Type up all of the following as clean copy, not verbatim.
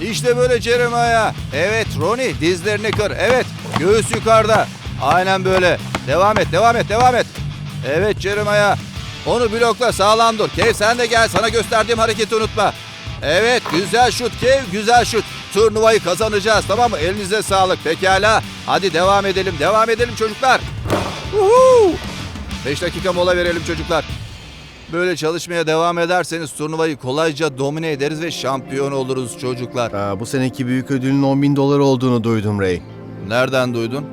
İşte böyle Jeremiah. Evet Ronnie, dizlerini kır. Evet, göğüs yukarıda. Aynen böyle. Devam et, devam et, devam et. Evet Jeremiah. Onu blokla, sağlam dur. Kev sen de gel, sana gösterdiğim hareketi unutma. Evet, güzel şut Kev, güzel şut. Turnuvayı kazanacağız, tamam mı? Elinize sağlık. Pekala. Hadi devam edelim çocuklar. 5 dakika mola verelim çocuklar. Böyle çalışmaya devam ederseniz turnuvayı kolayca domine ederiz ve şampiyon oluruz çocuklar. Bu seneki büyük ödülün $10.000 olduğunu duydum Ray. Nereden duydun?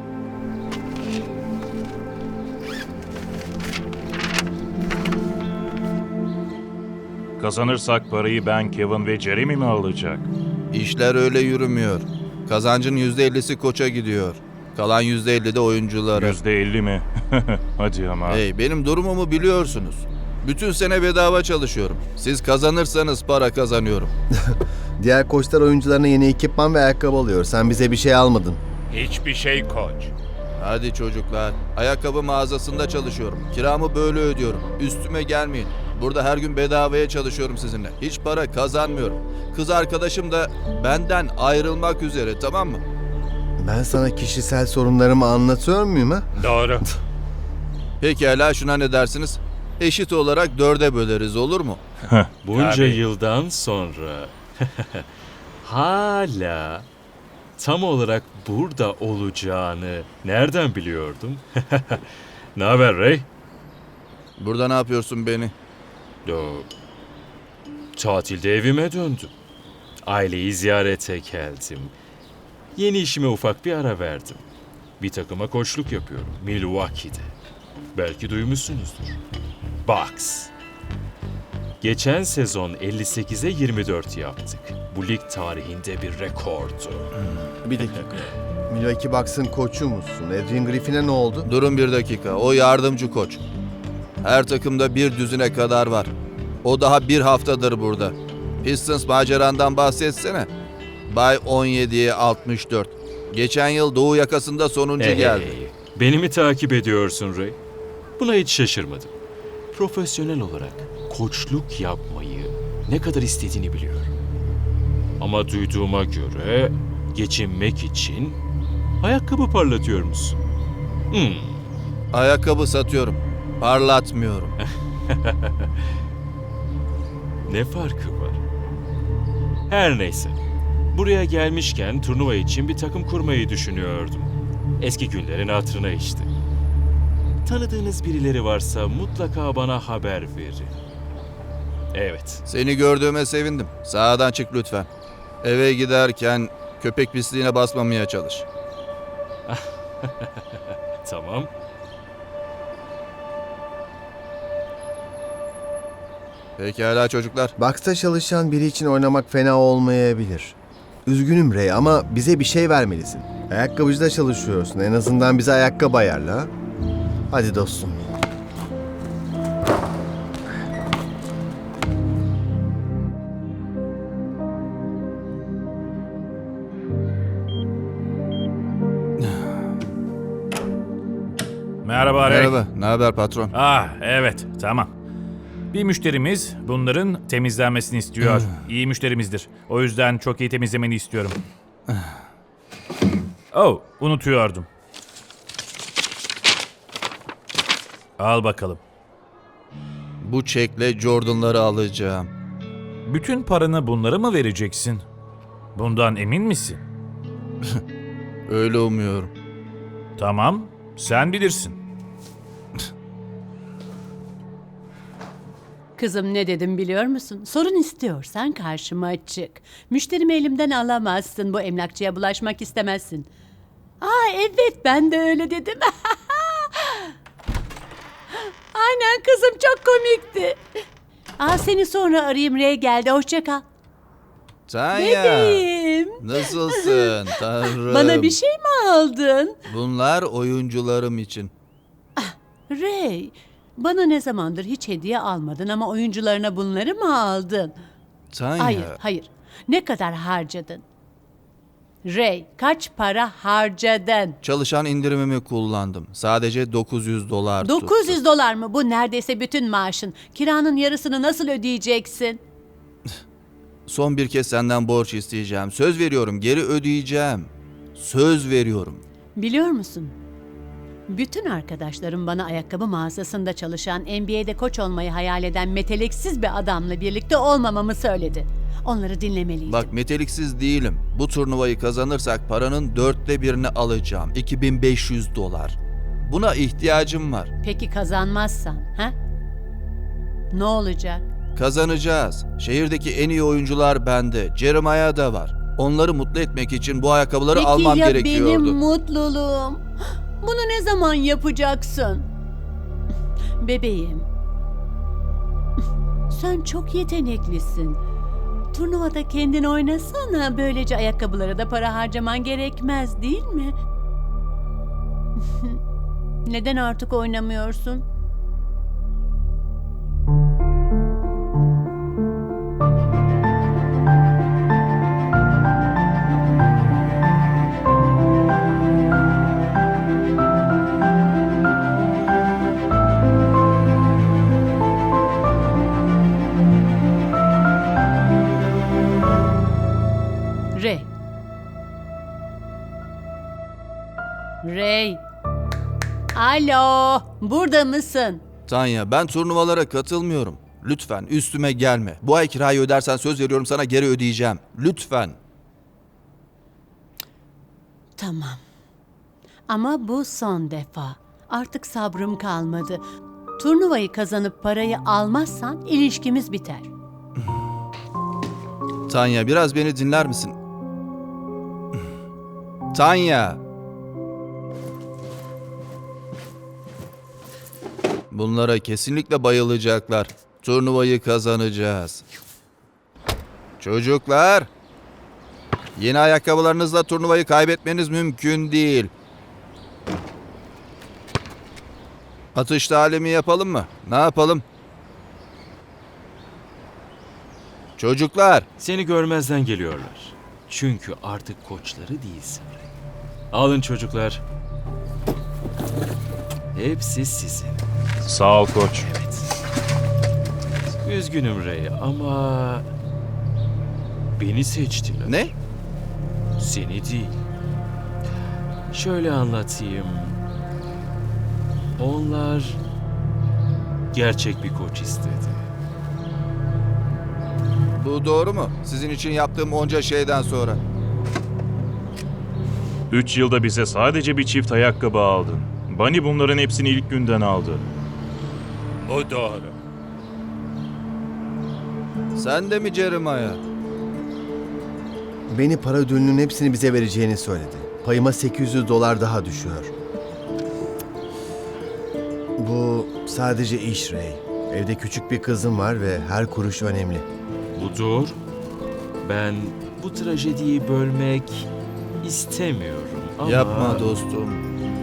Kazanırsak parayı ben, Kevin ve Jeremy mi alacak? İşler öyle yürümüyor. Kazancın %50'si koça gidiyor. Kalan %50 de oyunculara. %50 mi? Hadi ama. Hey, benim durumumu biliyorsunuz. Bütün sene bedava çalışıyorum. Siz kazanırsanız para kazanıyorum. Diğer koçlar oyuncularına yeni ekipman ve ayakkabı alıyor. Sen bize bir şey almadın. Hiçbir şey koç. Hadi çocuklar. Ayakkabı mağazasında çalışıyorum. Kiramı böyle ödüyorum. Üstüme gelmeyin. Burada her gün bedavaya çalışıyorum sizinle. Hiç para kazanmıyorum. Kız arkadaşım da benden ayrılmak üzere, tamam mı? Ben sana kişisel sorunlarımı anlatıyor muyum ha? Doğru. Pekala, şuna ne dersiniz? Eşit olarak 4'e böleriz, olur mu? Bunca Tabii. yıldan sonra hala tam olarak burada olacağını nereden biliyordum? Ne haber Ray? Burada ne yapıyorsun beni? Tatilde evime döndüm. Aileyi ziyarete geldim. Yeni işime ufak bir ara verdim. Bir takıma koçluk yapıyorum Milwaukee'de. Belki duymuşsunuzdur. Bucks. Geçen sezon 58'e 24 yaptık. Bu lig tarihinde bir rekordu. Bir dakika. Milwaukee Bucks'ın koçu musun? Adrian Griffin'e ne oldu? Durun bir dakika, o yardımcı koç. Her takımda bir düzine kadar var. O daha bir haftadır burada. Pistons macerandan bahsetsene. Bay 17'ye 64. Geçen yıl Doğu yakasında sonuncu geldi. Beni mi takip ediyorsun Ray? Buna hiç şaşırmadım. Profesyonel olarak koçluk yapmayı ne kadar istediğini biliyorum. Ama duyduğuma göre geçinmek için ayakkabı parlatıyor musun? Ayakkabı satıyorum. Parlatmıyorum. Ne farkı var? Her neyse. Buraya gelmişken turnuva için bir takım kurmayı düşünüyordum. Eski günlerin hatırına işte. Tanıdığınız birileri varsa mutlaka bana haber verin. Evet. Seni gördüğüme sevindim. Sağdan çık lütfen. Eve giderken köpek pisliğine basmamaya çalış. Tamam. Pekala çocuklar. Bucks'ta çalışan biri için oynamak fena olmayabilir. Üzgünüm Ray ama bize bir şey vermelisin. Ayakkabıcıda çalışıyorsun. En azından bize ayakkabı ayarla. Ha? Hadi dostum. Merhaba Ray. Merhaba. Ne haber patron? Evet, tamam. Bir müşterimiz bunların temizlenmesini istiyor. İyi müşterimizdir. O yüzden çok iyi temizlemeni istiyorum. Unutuyordum. Al bakalım. Bu çekle Jordan'ları alacağım. Bütün paranı bunlara mı vereceksin? Bundan emin misin? Öyle umuyorum. Tamam, sen bilirsin. Kızım ne dedim biliyor musun? Sorun istiyorsan karşıma çık. Müşterimi elimden alamazsın. Bu emlakçıya bulaşmak istemezsin. Evet ben de öyle dedim. Aynen kızım çok komikti. Seni sonra arayayım Ray geldi. Hoşça kal. Tanya. Bebeğim. Nasılsın tanrım? Bana bir şey mi aldın? Bunlar oyuncularım için. Ray, bana ne zamandır hiç hediye almadın ama oyuncularına bunları mı aldın? Tanya. Hayır. Ne kadar harcadın? Ray, kaç para harcadın? Çalışan indirimimi kullandım. Sadece $900 tuttu. $900 mı? Bu neredeyse bütün maaşın. Kiranın yarısını nasıl ödeyeceksin? Son bir kez senden borç isteyeceğim. Söz veriyorum, geri ödeyeceğim. Söz veriyorum. Biliyor musun? Bütün arkadaşlarım bana ayakkabı mağazasında çalışan, NBA'de koç olmayı hayal eden meteliksiz bir adamla birlikte olmamamı söyledi. Onları dinlemeliydim. Bak, meteliksiz değilim. Bu turnuvayı kazanırsak paranın 1/4'ünü alacağım. $2500. Buna ihtiyacım var. Peki kazanmazsan, ha? Ne olacak? Kazanacağız. Şehirdeki en iyi oyuncular bende. Jeremiah da var. Onları mutlu etmek için bu ayakkabıları Peki almam ya gerekiyordu. benim mutluluğum? Bunu ne zaman yapacaksın? Bebeğim. Sen çok yeteneklisin. Turnuvada kendin oynasana. Böylece ayakkabılara da para harcaman gerekmez, değil mi? Neden artık oynamıyorsun? Ray. Ray. Alo, burada mısın? Tanya, ben turnuvalara katılmıyorum. Lütfen üstüme gelme. Bu ay kirayı ödersen söz veriyorum sana geri ödeyeceğim. Lütfen. Tamam. Ama bu son defa. Artık sabrım kalmadı. Turnuvayı kazanıp parayı almazsan ilişkimiz biter. Tanya, biraz beni dinler misin? Tanya. Bunlara kesinlikle bayılacaklar. Turnuvayı kazanacağız. Çocuklar. Yeni ayakkabılarınızla turnuvayı kaybetmeniz mümkün değil. Atış talimi yapalım mı? Ne yapalım? Çocuklar. Seni görmezden geliyorlar. Çünkü artık koçları değilsin. Alın çocuklar. Hepsi sizin. Sağ ol koç. Evet. Üzgünüm Ray ama beni seçtiler. Ne? Seni değil. Şöyle anlatayım. Onlar gerçek bir koç istedi. Bu doğru mu? Sizin için yaptığım onca şeyden sonra. 3 yılda bize sadece bir çift ayakkabı aldın. Bunny bunların hepsini ilk günden aldı. Bu doğru. Sen de mi Jeremiah? Beni para ödülünün hepsini bize vereceğini söyledi. Payıma $800 daha düşüyor. Bu sadece iş Ray. Evde küçük bir kızım var ve her kuruş önemli. Budur. Ben bu trajediyi bölmek istemiyorum ama... Yapma dostum.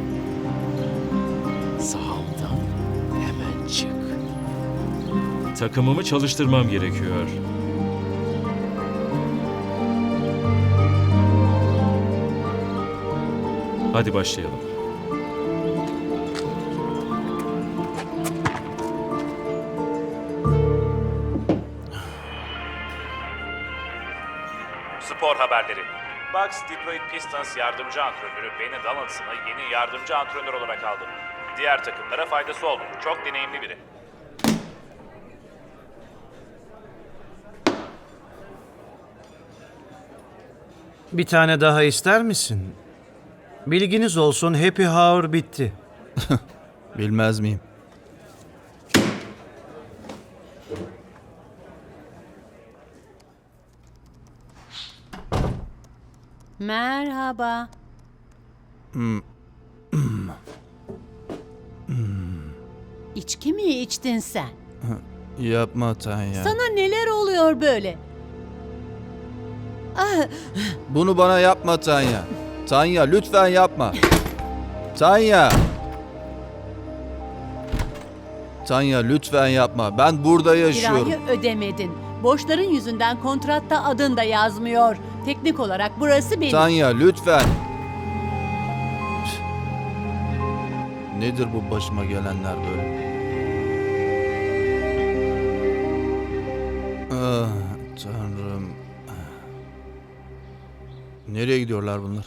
Sahamdan hemen çık. Takımımı çalıştırmam gerekiyor. Hadi başlayalım. Spor haberleri. Bucks Detroit Pistons yardımcı antrenörü Benny Donaldson'ı yeni yardımcı antrenör olarak aldı. Diğer takımlara faydası oldu. Çok deneyimli biri. Bir tane daha ister misin? Bilginiz olsun, Happy Hour bitti. Bilmez miyim? Merhaba. İçki mi içtin sen? Yapma Tanya. Sana neler oluyor böyle? Ah, Bunu bana yapma Tanya. Tanya lütfen yapma. Tanya. Tanya lütfen yapma. Ben burada yaşıyorum. kirayı ödemedin. Borçların yüzünden kontratta adın da yazmıyor. Teknik olarak burası benim. Tanya lütfen. Nedir bu başıma gelenler böyle? Ah Tanrım. tanrım. Nereye gidiyorlar bunlar?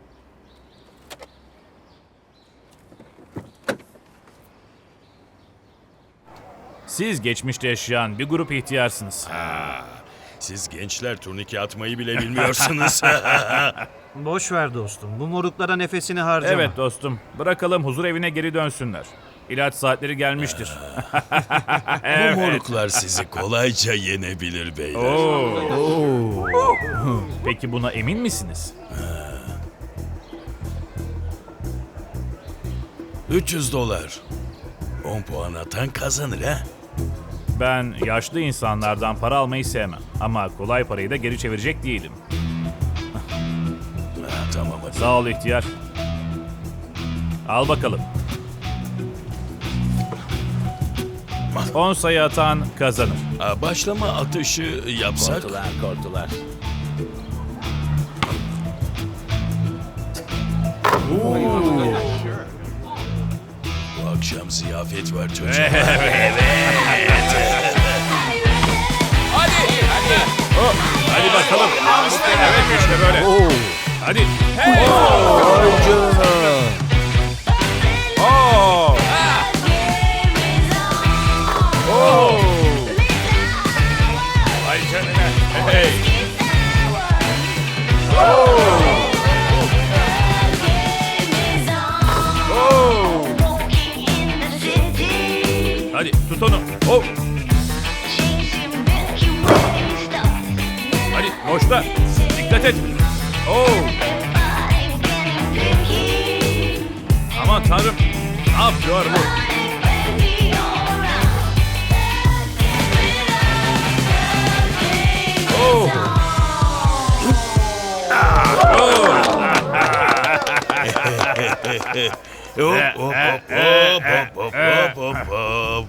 Siz geçmişte yaşayan bir grup ihtiyarsınız. Siz gençler turnike atmayı bile bilmiyorsunuz. Boş ver dostum. Bu moruklara nefesini harcama. Evet dostum, bırakalım huzur evine geri dönsünler. İlaç saatleri gelmiştir. Bu moruklar sizi kolayca yenebilir beyler. Oo. Peki buna emin misiniz? 300 dolar. 10 puan atan kazanır ha. Ben yaşlı insanlardan para almayı sevmem. Ama kolay parayı da geri çevirecek değilim. Tamam hadi. Sağ ol ihtiyar. Al bakalım. 10 sayı atan kazanır. Başlama atışı yapsak. Korktular. Bu akşam ziyafet var çocuklar. Hadi bakalım. Evet işte böyle. Hadi. Hey. Vay canına. Oo. Oo. Vay canına. Hey. Oo. Hadi tut onu. Oh. Hadi boşta. Dikkat et. Oo. Aman tanrım. Ne yapıyor bu? Oo. Hop hop hop hop hop hop hop.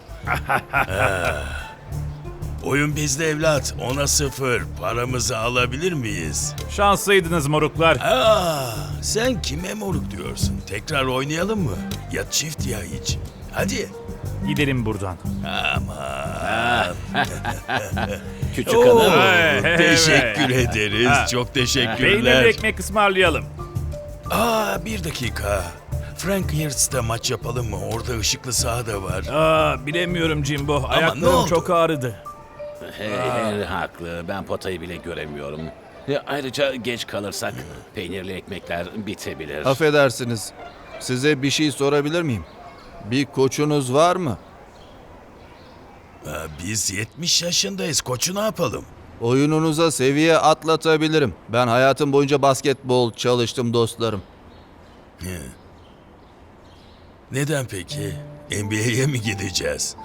Oyun bizde evlat. 10'a 0. Paramızı alabilir miyiz? Şanslıydınız moruklar. Sen kime moruk diyorsun? Tekrar oynayalım mı? Ya çift ya hiç. Hadi. Gidelim buradan. Küçük Oo, hanım. Hey, teşekkür evet. ederiz. Çok Peynirli teşekkürler. ekmek ısmarlayalım. Bir dakika. Frank Hirst'te maç yapalım mı? Orada ışıklı saha da var. Bilemiyorum Jimbo. ne Ayaklarım oldu? çok ağrıdı. Hey, haklı. Ben potayı bile göremiyorum. Ayrıca geç kalırsak peynirli ekmekler bitebilir. Affedersiniz. Size bir şey sorabilir miyim? Bir koçunuz var mı? Biz 70 yaşındayız. Koçu ne yapalım? Oyununuza seviye atlatabilirim. Ben hayatım boyunca basketbol çalıştım dostlarım. Neden peki? NBA'ye mi gideceğiz?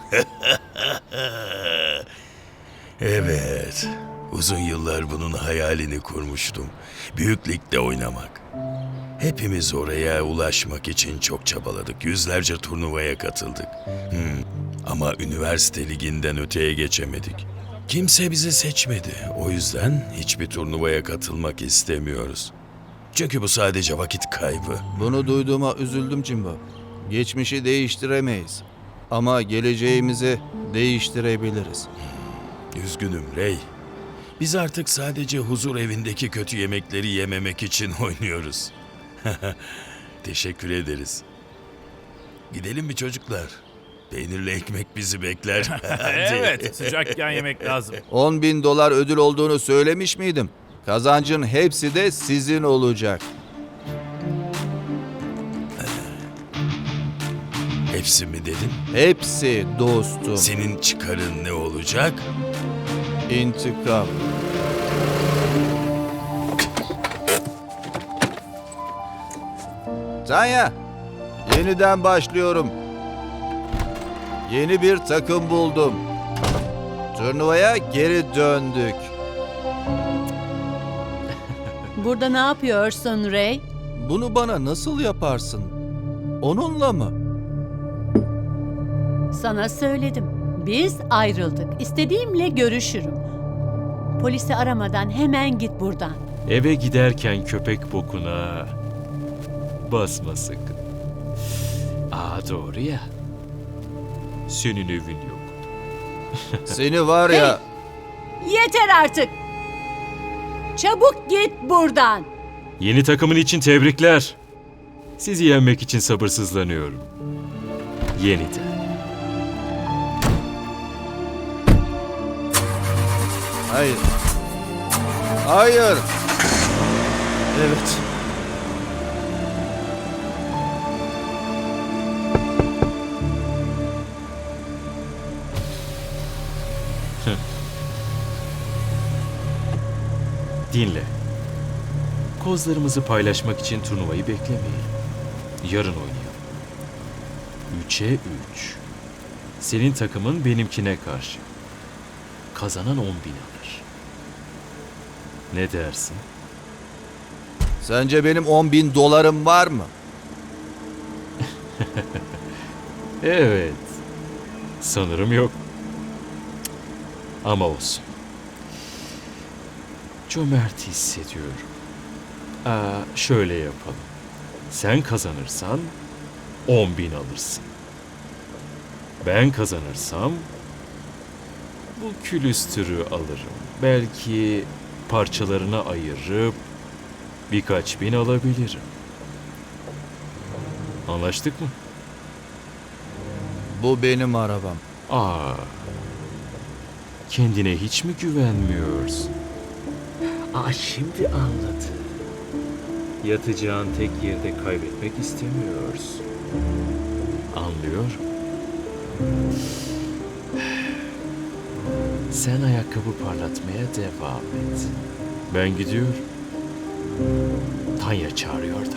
Evet. Uzun yıllar bunun hayalini kurmuştum. Büyük ligde oynamak. Hepimiz oraya ulaşmak için çok çabaladık. Yüzlerce turnuvaya katıldık. Ama üniversite liginden öteye geçemedik. Kimse bizi seçmedi. O yüzden hiçbir turnuvaya katılmak istemiyoruz. Çünkü bu sadece vakit kaybı. Bunu duyduğuma üzüldüm Jimbo. Geçmişi değiştiremeyiz. Ama geleceğimizi değiştirebiliriz. Üzgünüm Ray. Biz artık sadece huzur evindeki kötü yemekleri yememek için oynuyoruz. Teşekkür ederiz. Gidelim mi çocuklar? Peynirli ekmek bizi bekler. Hadi. Evet, sıcakken yemek lazım. 10.000 dolar ödül olduğunu söylemiş miydim? Kazancın hepsi de sizin olacak. Hepsi mi dedin? Hepsi dostum. Senin çıkarın ne olacak? İntikam. Tanya, yeniden başlıyorum. Yeni bir takım buldum. Turnuvaya geri döndük. Burada ne yapıyorsun Ray? Bunu bana nasıl yaparsın? Onunla mı? Sana söyledim. Biz ayrıldık. İstediğimle görüşürüm. Polisi aramadan hemen git buradan. Eve giderken köpek bokuna basma sakın. Doğru ya. Senin evin yok. Seni var ya... Yeter artık. Çabuk git buradan. Yeni takımın için tebrikler. Sizi yenmek için sabırsızlanıyorum. Yeniden. Hayır. Hayır. Evet. Dinle. Kozlarımızı paylaşmak için turnuvayı beklemeyelim. Yarın oynayalım. 3'e 3. Senin takımın benimkine karşı. Kazanan 10.000 alır. Ne dersin? Sence benim 10.000 dolarım var mı? Evet. Sanırım yok. Ama olsun. Cömert hissediyorum. Şöyle yapalım. Sen kazanırsan 10.000 alırsın. Ben kazanırsam bu külüstürü alırım. Belki parçalarına ayırıp birkaç bin alabilirim. Anlaştık mı? Bu benim arabam. Kendine hiç mi güvenmiyorsun? Şimdi anladım. Yatacağın tek yerde kaybetmek istemiyorsun. Anlıyorum. Sen ayakkabı parlatmaya devam et. Ben gidiyorum. Tanya çağırıyor da.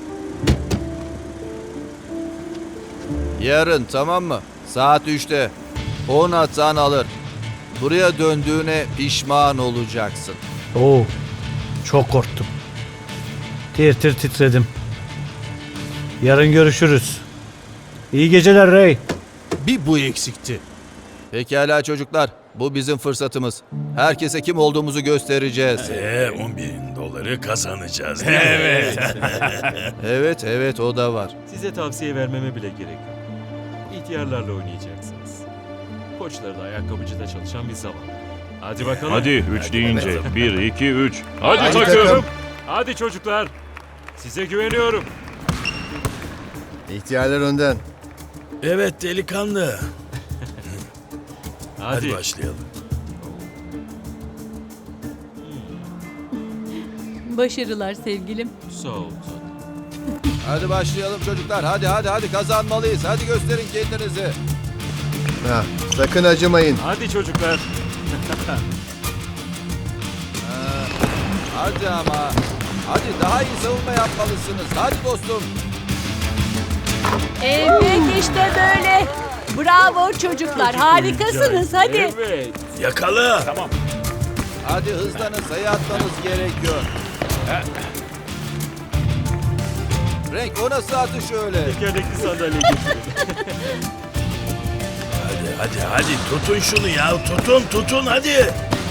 Yarın, tamam mı? Saat 3'te. 10 atan alır. Buraya döndüğüne pişman olacaksın. Oo, çok korktum. Tir tir titredim. Yarın görüşürüz. İyi geceler Ray. Bir bu eksikti. Pekala çocuklar. Bu bizim fırsatımız. Herkese kim olduğumuzu göstereceğiz. 10.000 doları kazanacağız değil mi? Evet, evet o da var. Size tavsiye vermeme bile gerek yok. İhtiyarlarla oynayacaksınız. Koçları da ayakkabıcıda çalışan bir zaman. Hadi bakalım. Hadi 3 deyince. 1, 2, 3. Hadi Hadi takım. takım. Hadi çocuklar. Size güveniyorum. İhtiyarlar önden. Evet delikanlı. Hadi. Hadi başlayalım. Başarılar sevgilim. Sağ ol tatlım. Hadi başlayalım çocuklar. Hadi kazanmalıyız. Hadi gösterin kendinizi. Ha, sakın acımayın. Hadi çocuklar. Hadi ama. Hadi daha iyi savunma yapmalısınız. Hadi dostum. Evet işte böyle. Bravo çocuklar. Harikasınız hadi. Evet. Yakala. Hadi hızlanın. Sayı atmanız gerekiyor. Frank o nasıl atış öyle? Tekerlekli sandalye getirin. Hadi tutun şunu ya. Tutun hadi.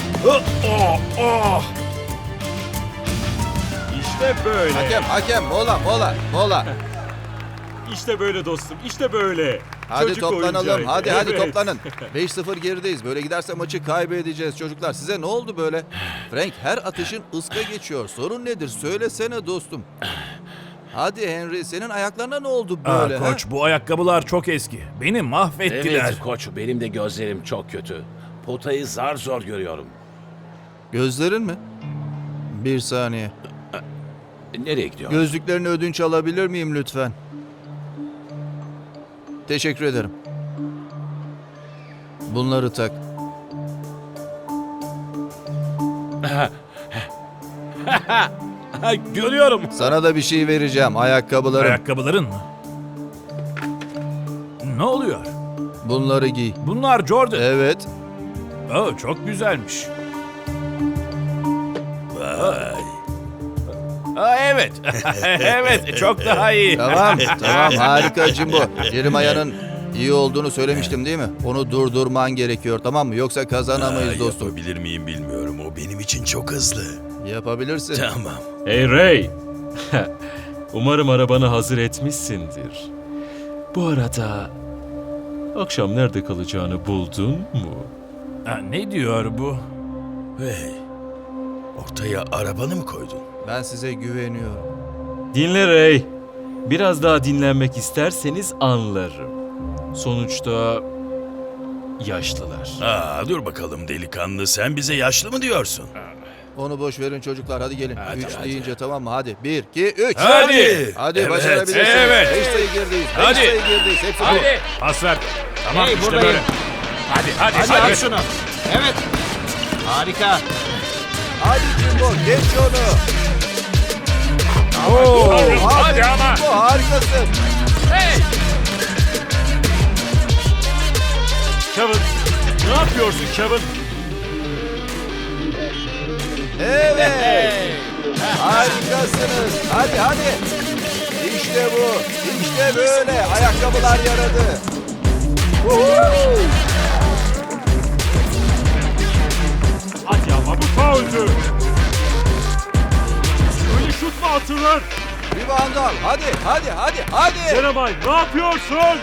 İşte böyle. Hakem mola. İşte böyle dostum. İşte böyle. Hadi Çocuk toplanalım. oyuncağıydı. Hadi Evet. toplanın. 5-0 gerideyiz. Böyle giderse maçı kaybedeceğiz çocuklar. Size ne oldu böyle? Frank her atışın ıska geçiyor. Sorun nedir? Söylesene dostum. Hadi Henry senin ayaklarına ne oldu böyle? ha? Koç bu ayakkabılar çok eski. Beni mahvettiler. Evet koç, benim de gözlerim çok kötü. Potayı zar zor görüyorum. Gözlerin mi? Bir saniye. Nereye gidiyor? Gözlüklerini ödünç alabilir miyim lütfen? Teşekkür ederim. Bunları tak. Görüyorum. Sana da bir şey vereceğim. Ayakkabılarım. Ayakkabıların mı? Ne oluyor? Bunları giy. Bunlar Jordan. Evet. Çok güzelmiş. Vay. Evet. Evet, çok daha iyi. Tamam harika Jimbo. Jeremiah'nın iyi olduğunu söylemiştim değil mi? Onu durdurman gerekiyor tamam mı? Yoksa kazanamayız dostum. Yapabilir miyim bilmiyorum. O benim için çok hızlı. Yapabilirsin. Tamam. Hey Ray. Umarım arabanı hazır etmişsindir. Bu arada akşam nerede kalacağını buldun mu? Ne diyor bu? Hey. Ortaya arabanı mı koydun? Ben size güveniyorum. Dinle Ray. Biraz daha dinlenmek isterseniz anlarım. Sonuçta yaşlılar. Dur bakalım delikanlı, sen bize yaşlı mı diyorsun? Onu boş verin çocuklar, hadi gelin. Hadi, 3 hadi. deyince tamam mı? Hadi 1, 2, 3. Hadi. Hadi Evet, başarabilirsiniz. evet. 5 sayı girdiyiz. 5 Hadi. sayı girdiyiz. Hepsi bu. Hadi. Pas ver. Tamam işte böyle. Hadi hadi Hadi hadi. al şunu. Evet. Harika. Hadi Jimbo, geç onu. Hadi ama. Jimbo, harikasın. Kevin, ne yapıyorsun Kevin? Evet. Harikasınız. Hadi hadi. İşte bu. İşte böyle. Ayakkabılar yaradı. Hadi ama bu fauldü. Öyle şut mu atılır? Rebound al. Hadi hadi hadi hadi. Jeremiah ne yapıyorsun?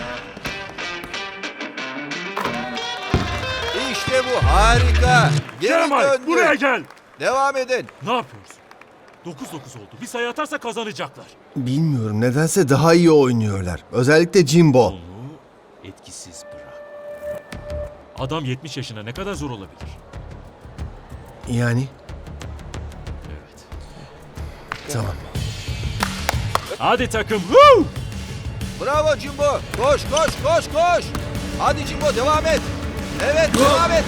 İşte bu. Harika. Geri Jeremiah döndü. buraya gel. Devam edin. Ne yapıyorsun? 9-9 oldu. Bir sayı atarsa kazanacaklar. Bilmiyorum, nedense daha iyi oynuyorlar. Özellikle Jimbo. Onu etkisiz bırak. Adam 70 yaşına ne kadar zor olabilir? Yani Evet. tamam. Hadi takım. Woo! Bravo Jimbo. Koş koş koş koş. Hadi Jimbo devam et. Evet devam et.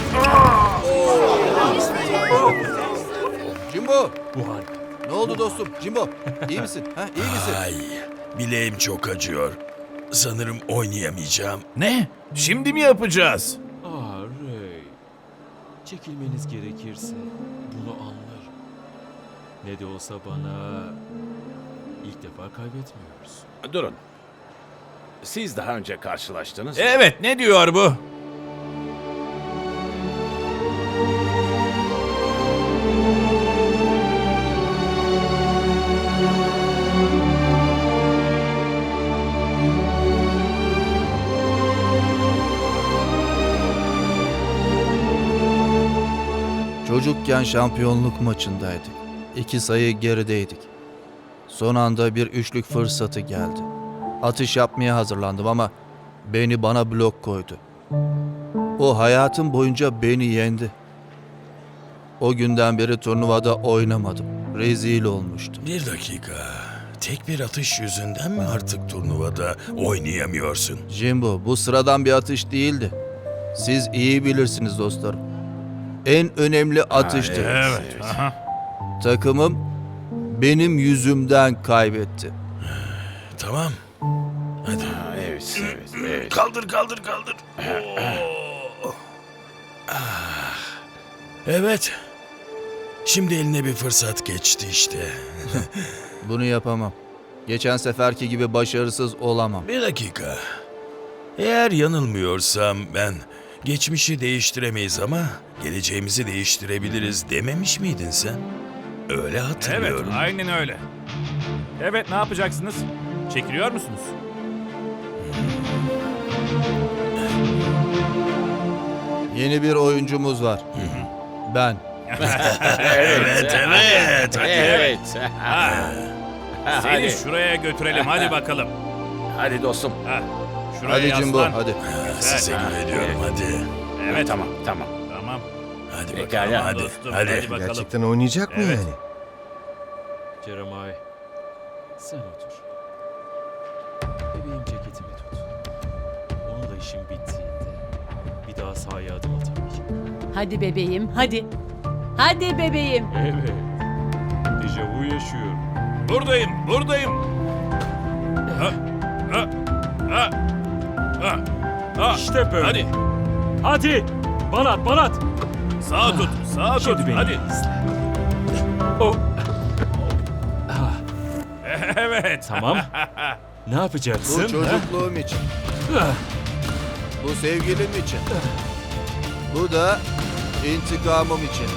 Jimbo. Bu harika. Ne oldu dostum? Jimbo. İyi misin? Ha, iyi misin? Ay, bileğim çok acıyor. Sanırım oynayamayacağım. Ne? Şimdi mi yapacağız? Ray. Çekilmeniz gerekirse bunu anlarım. Ne de olsa bana ilk defa kaybetmiyoruz. Durun. Siz daha önce karşılaştınız mı? Evet, ne diyor bu? Çocukken şampiyonluk maçındaydık. 2 sayı gerideydik. Son anda bir üçlük fırsatı geldi. Atış yapmaya hazırlandım ama beni bana blok koydu. O hayatım boyunca beni yendi. O günden beri turnuvada oynamadım. Rezil olmuştum. Bir dakika. Tek bir atış yüzünden mi artık turnuvada oynayamıyorsun? Jimbo, bu sıradan bir atış değildi. Siz iyi bilirsiniz dostlarım. En önemli atıştı. Evet. Aha. Takımım benim yüzümden kaybetti. Tamam. Hadi. Evet, evet, evet. Kaldır kaldır kaldır. Oo. Ah. Evet. Şimdi eline bir fırsat geçti işte. Bunu yapamam. Geçen seferki gibi başarısız olamam. Bir dakika. Eğer yanılmıyorsam ben geçmişi değiştiremeyiz ama geleceğimizi değiştirebiliriz dememiş miydin sen? Öyle Evet, hatırlıyorum. aynen öyle. Evet, ne yapacaksınız? Çekiliyor musunuz? Yeni bir oyuncumuz var. Ben. Evet evet. Hadi. Evet. Seni Hadi. şuraya götürelim, hadi bakalım. Hadi dostum. Ha, şuraya Hadi Jimbo, yaslan. hadi. Size güveniyorum hadi. Evet, Tamam, tamam. tamam. Hadi Pekala. bakalım hadi. Dostum, Hadi. bakalım. Gerçekten oynayacak mı Evet. yani? Jeremiah, sen otur. Bebeğim ceketimi tut. Onunla işim bittiğinde bir daha sahaya adım atamayacağım. Hadi bebeğim, hadi. Hadi bebeğim. Evet. Dejavu yaşıyorum. Buradayım, buradayım. Ha, ha, ha, ha, ha. İşte böyle. Hadi, Hadi. Banat, banat. sağa tut, sağa tut. Şimdi beni Hadi. izle. Oh. Ah, Evet. tamam. Ne Bu yapacaksın? ha? çocukluğum için. Ah, Bu sevgilim için. Bu da intikamım için.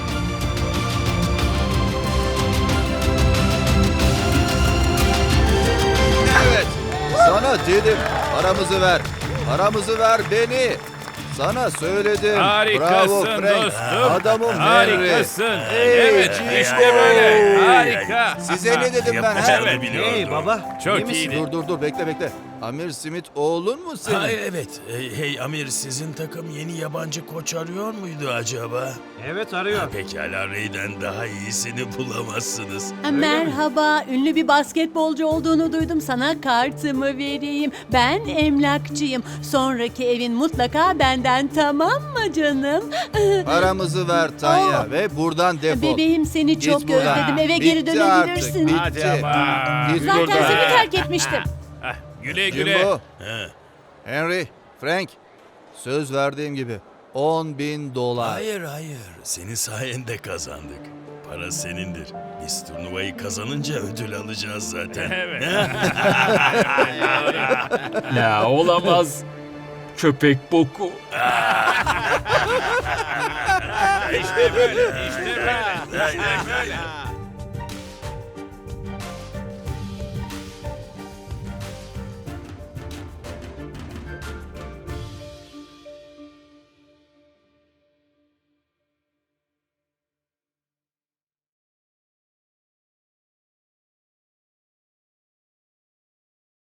Evet. Sana dedim. Paramızı ver. Paramızı ver beni. Sana söyledim. Harikasın Bravo Frank. dostum. Adamım Harikasın. Hey, Evet Jimbo. işte böyle. Harika. Size ne dedim ben? Yapacağını He? biliyordum. Hey baba. Çok iyi misin? iyiydi. Dur bekle. Amir Smith oğlun mu senin? Ha, evet. Hey Amir, sizin takım yeni yabancı koç arıyor muydu acaba? Evet arıyor. Pekala, Ray'den daha iyisini bulamazsınız. Merhaba, ünlü bir basketbolcu olduğunu duydum. Sana kartımı vereyim. Ben emlakçıyım. Sonraki evin mutlaka benden, tamam mı canım? Paramızı ver Tanya Oh. ve buradan defol. Bebeğim, seni Git çok buradan. özledim. Eve geri Bitti dönebilirsin. Artık, bitti. Hadi ama. Git Zaten buradan. seni terk etmiştim. Güle güle. Jimbo, He. Henry, Frank. Söz verdiğim gibi $10,000. Hayır. Senin sayende kazandık. Para senindir. Biz turnuvayı kazanınca ödül alacağız zaten. Evet. Ya olamaz. Köpek boku. İşte böyle. İşte böyle. İşte böyle.